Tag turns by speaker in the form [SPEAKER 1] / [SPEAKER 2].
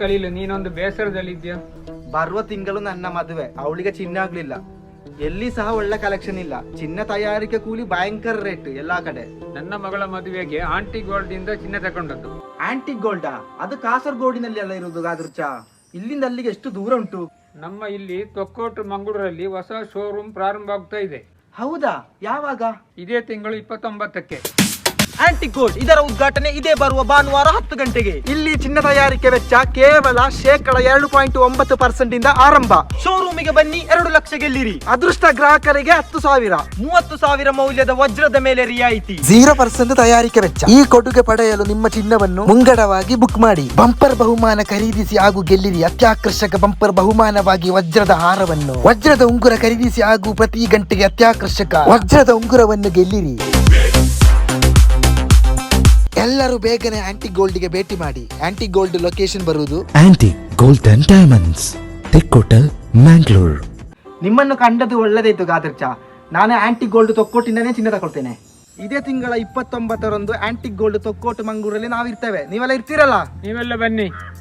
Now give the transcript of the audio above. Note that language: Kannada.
[SPEAKER 1] ಖಲೀಲ್, ನೀನೊಂದು ಬೇಸರದಲ್ಲಿದ್ಯಾ?
[SPEAKER 2] ಬರುವ ತಿಂಗಳು ನನ್ನ ಮದುವೆ, ಅವಳಿಗೆ ಚಿನ್ನ ಆಗ್ಲಿಲ್ಲ. ಎಲ್ಲಿ ಸಹ ಒಳ್ಳೆ ಕಲೆಕ್ಷನ್ ಇಲ್ಲ. ಚಿನ್ನ ತಯಾರಿಕೆ ಕೂಲಿ ಭಯಂಕರ ರೇಟ್ ಎಲ್ಲಾ ಕಡೆ.
[SPEAKER 1] ನನ್ನ ಮಗಳ ಮದುವೆಗೆ ಆಂಟಿ ಗೋಲ್ಡ್ ಇಂದ ಚಿನ್ನ ತಗೊಂಡದ್ದು.
[SPEAKER 2] ಆಂಟಿಕ್ ಗೋಲ್ಡಾ? ಅದು ಕಾಸರಗೋಡಿನಲ್ಲಿ ಎಲ್ಲ ಇರುವುದು ಗಾದ್ರುಚ. ಇಲ್ಲಿಂದ ಅಲ್ಲಿಗೆ ಎಷ್ಟು ದೂರ ಉಂಟು?
[SPEAKER 1] ನಮ್ಮ ಇಲ್ಲಿ ತೊಕ್ಕೋಟು ಮಂಗಳೂರಲ್ಲಿ ಹೊಸ ಶೋರೂಮ್ ಪ್ರಾರಂಭ ಆಗ್ತಾ ಇದೆ.
[SPEAKER 2] ಹೌದಾ? ಯಾವಾಗ?
[SPEAKER 1] ಇದೇ ತಿಂಗಳು 29ಕ್ಕೆ.
[SPEAKER 2] ಆಂಟಿಕ್ ಗೋಲ್ಡ್ ಇದರ ಉದ್ಘಾಟನೆ ಇದೇ ಬರುವ ಭಾನುವಾರ 10 ಗಂಟೆಗೆ. ಇಲ್ಲಿ ಚಿನ್ನ ತಯಾರಿಕೆ ವೆಚ್ಚ ಕೇವಲ 2.9% ಇಂದ ಆರಂಭ. ಶೋರೂಮಿಗೆ ಬನ್ನಿ, 2 ಲಕ್ಷ ಗೆಲ್ಲಿರಿ. ಅದೃಷ್ಟ ಗ್ರಾಹಕರಿಗೆ 10,000, 30,000 ಮೌಲ್ಯದ ವಜ್ರದ ಮೇಲೆ ರಿಯಾಯಿತಿ.
[SPEAKER 3] 0% ತಯಾರಿಕೆ ವೆಚ್ಚ. ಈ ಕೊಡುಗೆ ಪಡೆಯಲು ನಿಮ್ಮ ಚಿನ್ನವನ್ನು ಮುಂಗಡವಾಗಿ ಬುಕ್ ಮಾಡಿ. ಬಂಪರ್ ಬಹುಮಾನ ಖರೀದಿಸಿ ಹಾಗೂ ಗೆಲ್ಲಿರಿ. ಅತ್ಯಾಕರ್ಷಕ ಬಂಪರ್ ಬಹುಮಾನವಾಗಿ ವಜ್ರದ ಹಾರವನ್ನು, ವಜ್ರದ ಉಂಗುರ ಖರೀದಿಸಿ ಹಾಗೂ ಪ್ರತಿ ಗಂಟೆಗೆ ಅತ್ಯಾಕರ್ಷಕ ವಜ್ರದ ಉಂಗುರವನ್ನು ಗೆಲ್ಲಿರಿ. ಎಲ್ಲರೂ ಬೇಗನೆ ಆಂಟಿಕ್ ಗೋಲ್ಡ್ ಗೆ ಭೇಟಿ ಮಾಡಿ. ಆಂಟಿಕ್ ಗೋಲ್ಡ್ ಲೊಕೇಶನ್ ಬರುವುದು
[SPEAKER 4] ಆಂಟಿಕ್ ಗೋಲ್ಡ್ ಅಂಡ್ ಡೈಮಂಡ್ಸ್, ತೆಕ್ಕೋಟಲ್, ಮ್ಯಾಂಗ್ಳೂರ್.
[SPEAKER 2] ನಿಮ್ಮನ್ನು ಕಂಡದ್ದು ಒಳ್ಳೆದಾಯ್ತು ಗಾದರ್ಚ. ನಾನು ಆಂಟಿಕ್ ಗೋಲ್ಡ್ ತೊಕ್ಕೋಟಿಂದನೇ ಚಿನ್ನ ತಗೊಳ್ತೇನೆ. ಇದೇ ತಿಂಗಳ 29ರಂದು ಆಂಟಿಕ್ ಗೋಲ್ಡ್ ತೊಕ್ಕೋಟು ಮಂಗಳೂರಲ್ಲಿ ನಾವಿರ್ತೇವೆ. ನೀವೆಲ್ಲ ಇರ್ತೀರಲ್ಲ?
[SPEAKER 1] ನೀವೆಲ್ಲ ಬನ್ನಿ.